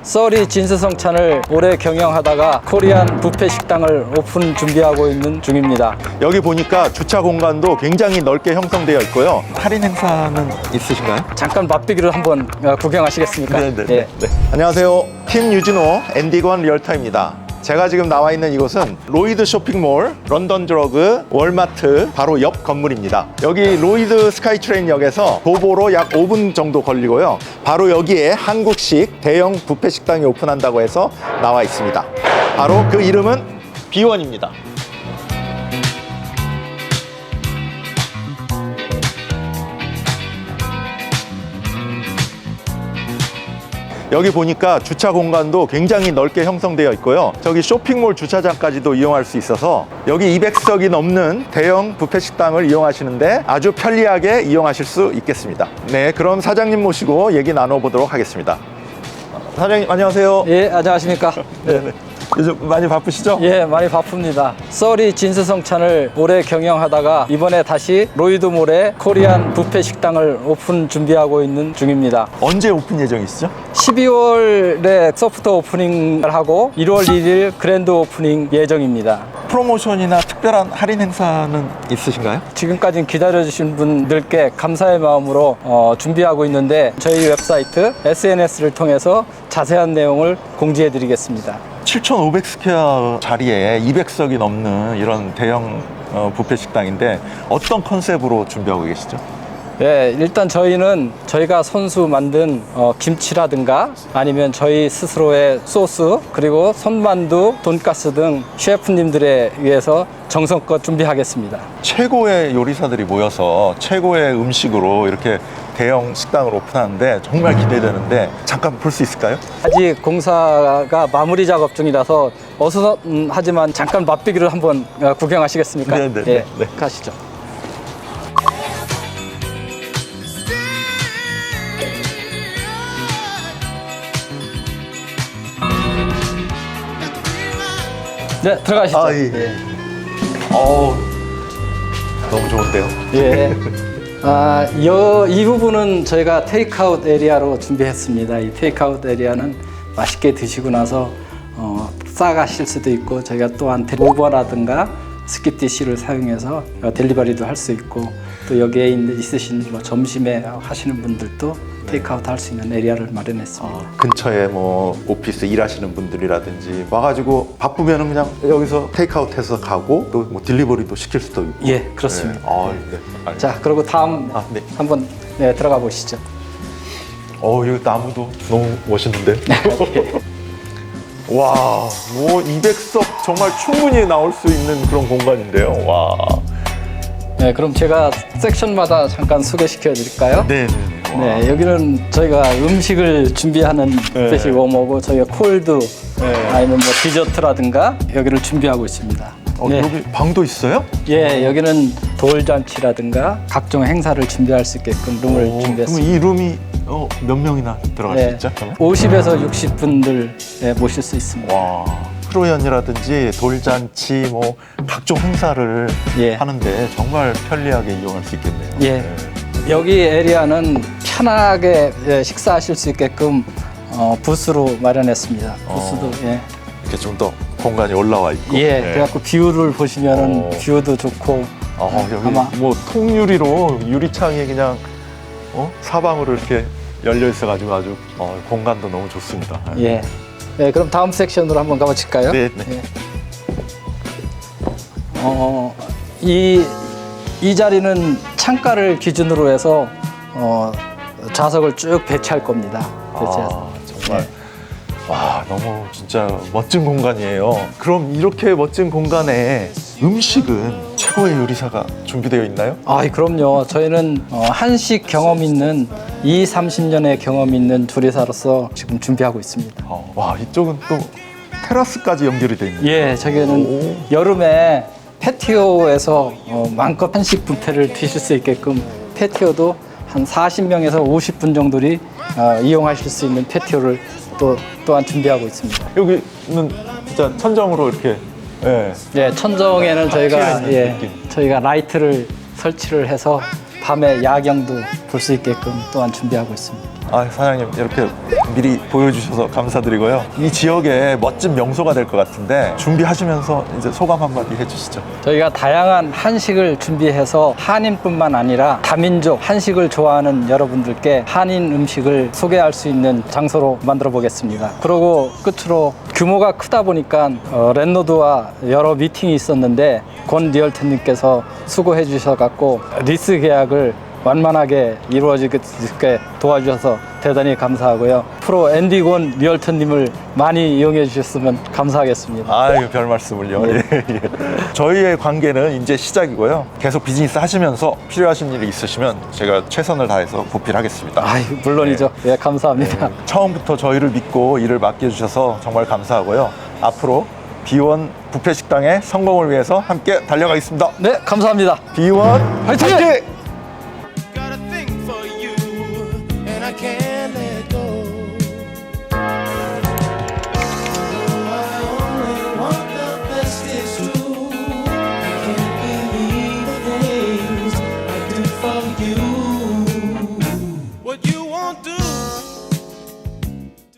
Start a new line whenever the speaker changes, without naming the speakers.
썰이 진수성찬을 오래 경영하다가 코리안 뷔페 식당을 오픈 준비하고 있는 중입니다.
여기 보니까 주차 공간도 굉장히 넓게 형성되어 있고요. 할인 행사는 있으신가요?
잠깐 맛보기를 한번 구경하시겠습니까?
네네.
예.
네. 안녕하세요. 팀 유진호 앤디건 리얼터입니다. 제가 지금 나와 있는 이곳은 로이드 쇼핑몰, 런던 드러그, 월마트 바로 옆 건물입니다. 여기 로이드 스카이트레인역에서 도보로 약 5분 정도 걸리고요. 바로 여기에 한국식 대형 뷔페 식당이 오픈한다고 해서 나와 있습니다. 바로 그 이름은 B1입니다. 여기 보니까 주차 공간도 굉장히 넓게 형성되어 있고요. 저기 쇼핑몰 주차장까지도 이용할 수 있어서 여기 200석이 넘는 대형 뷔페 식당을 이용하시는데 아주 편리하게 이용하실 수 있겠습니다. 네, 그럼 사장님 모시고 얘기 나눠보도록 하겠습니다. 사장님 안녕하세요.
예, 안녕하십니까?
네. 요즘 많이 바쁘시죠?
예, 많이 바쁩니다. 썰이 진수성찬을 오래 경영하다가 이번에 다시 로이드몰에 코리안 뷔페 식당을 오픈 준비하고 있는 중입니다.
언제 오픈 예정이시죠?
12월에 소프트 오프닝을 하고 1월 1일 그랜드 오프닝 예정입니다.
프로모션이나 특별한 할인 행사는 있으신가요?
지금까지 기다려주신 분들께 감사의 마음으로 준비하고 있는데 저희 웹사이트, SNS를 통해서 자세한 내용을 공지해 드리겠습니다.
7,500스퀘어 자리에 200석이 넘는 이런 대형 뷔페 식당인데 어떤 컨셉으로 준비하고 계시죠?
예, 일단 저희는 저희가 손수 만든 김치라든가 아니면 저희 스스로의 소스 그리고 손만두, 돈가스 등 셰프님들에 의해서 정성껏 준비하겠습니다.
최고의 요리사들이 모여서 최고의 음식으로 이렇게 대형 식당을 오픈하는데 정말 기대되는데 잠깐 볼 수 있을까요?
아직 공사가 마무리 작업 중이라서 어수선하지만 잠깐 맛보기를 한번 구경하시겠습니까?
네네.
예,
네.
가시죠. 네, 들어가시죠.
아, 예. 어우, 너무 좋은데요?
예. 이 부분은 저희가 테이크아웃 에리아로 준비했습니다. 이 테이크아웃 에리아는 맛있게 드시고 나서 싸가실 수도 있고 저희가 또한 오버라든가 스킵디시를 사용해서 델리버리도 할 수 있고 또 여기에 있으신 점심에 하시는 분들도 테이크아웃 할 수 있는 에리아를 마련했습니다.
근처에 뭐 오피스 일하시는 분들이라든지 와가지고 바쁘면은 그냥 여기서 테이크아웃해서 가고 또 뭐 딜리버리도 시킬 수도 있고.
예, 그렇습니다.
네. 네. 알겠습니다.
자, 그리고 다음
네.
한번 들어가 보시죠.
여기 나무도 너무 멋있는데. 와, 뭐 200석 정말 충분히 나올 수 있는 그런 공간인데요. 와.
네, 그럼 제가 섹션마다 잠깐 소개시켜 드릴까요?
네.
네, 여기는 저희가 음식을 준비하는 스페셜 워머고 저희가 콜드 아니면 뭐 디저트라든가 여기를 준비하고 있습니다. 네.
여기 방도 있어요?
예, 여기는 돌잔치라든가 각종 행사를 준비할 수 있게끔 룸을
그럼
준비했습니다.
이 룸이 몇 명이나 들어갈 수 있죠?
50에서 60분들 모실 수 있습니다.
와, 프로연이라든지 돌잔치 뭐 각종 행사를
예.
하는데 정말 편리하게 이용할 수 있겠네요.
예. 여기 에리아는 편하게 식사하실 수 있게끔 부스로 마련했습니다. 부스도
이렇게 좀 더 공간이 올라와 있고.
예. 그래갖고 뷰를 보시면은 뷰도 좋고
여기
아마
뭐 통유리로 유리창이 그냥 사방으로 이렇게 열려 있어가지고 아주 공간도 너무 좋습니다.
예. 네, 그럼 다음 섹션으로 한번 가보실까요?
네.
예. 이 자리는 창가를 기준으로 해서 좌석을 쭉 배치할 겁니다. 배치해서.
정말 와, 너무 진짜 멋진 공간이에요. 그럼 이렇게 멋진 공간에 음식은 최고의 요리사가 준비되어 있나요?
그럼요. 저희는 한식 경험 있는 30년의 경험 있는 조리사로서 지금 준비하고 있습니다.
와, 이쪽은 또 테라스까지 연결이 돼 있네요.
예, 저기는 여름에 패티오에서 마음껏 한식 뷔페를 드실 수 있게끔 패티오도 한 40명에서 50분 정도를 이용하실 수 있는 패티오를 또한 준비하고 있습니다.
여기는 진짜 천정으로 이렇게
예, 천정에는 저희가
있는 느낌.
저희가 라이트를 설치를 해서 밤에 야경도 볼 수 있게끔 또한 준비하고 있습니다.
아, 사장님 이렇게 미리 보여주셔서 감사드리고요. 이 지역에 멋진 명소가 될 것 같은데 준비하시면서 이제 소감 한마디 해주시죠.
저희가 다양한 한식을 준비해서 한인뿐만 아니라 다민족 한식을 좋아하는 여러분들께 한인 음식을 소개할 수 있는 장소로 만들어 보겠습니다. 그리고 끝으로 규모가 크다 보니까 랜로드와 여러 미팅이 있었는데 권 리얼터님께서 수고해 주셔갖고 리스 계약을 완만하게 이루어지게 도와주셔서 대단히 감사하고요. 프로 앤디 권 리얼터님을 많이 이용해 주셨으면 감사하겠습니다.
아유, 별 말씀을요. 예, 예. 저희의 관계는 이제 시작이고요. 계속 비즈니스 하시면서 필요하신 일이 있으시면 제가 최선을 다해서 보필하겠습니다.
아유, 물론이죠. 예, 감사합니다.
처음부터 저희를 믿고 일을 맡겨주셔서 정말 감사하고요. 앞으로 B1 뷔페 식당의 성공을 위해서 함께 달려가겠습니다.
네, 감사합니다.
B1
화이팅!
화이팅!